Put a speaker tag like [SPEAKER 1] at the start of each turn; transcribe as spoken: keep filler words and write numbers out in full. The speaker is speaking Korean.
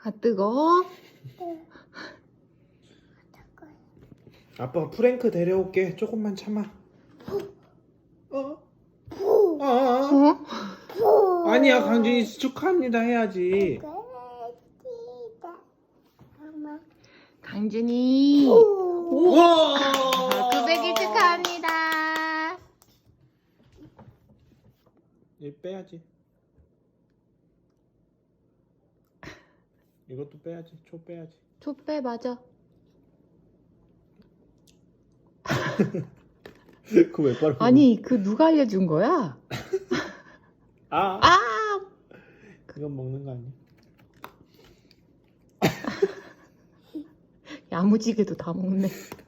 [SPEAKER 1] 아, 뜨거워?
[SPEAKER 2] 아빠가 프랭크 데려올게. 조금만 참아. 어? 아, 아,
[SPEAKER 1] 어?
[SPEAKER 2] 아. 아니야, 강준이 축하합니다 해야지.
[SPEAKER 1] 강준이
[SPEAKER 2] 우와!
[SPEAKER 1] 구백 일 축하합니다.
[SPEAKER 2] 이 빼야지. 이것도 빼야지. 초 빼야지.
[SPEAKER 1] 촛배 맞아.
[SPEAKER 2] 그거 왜 빨아?
[SPEAKER 1] 아니 그 누가 알려준 거야?
[SPEAKER 2] 아,
[SPEAKER 1] 아!
[SPEAKER 2] 이건 먹는 거 아니야?
[SPEAKER 1] 야무지게도 다 먹네.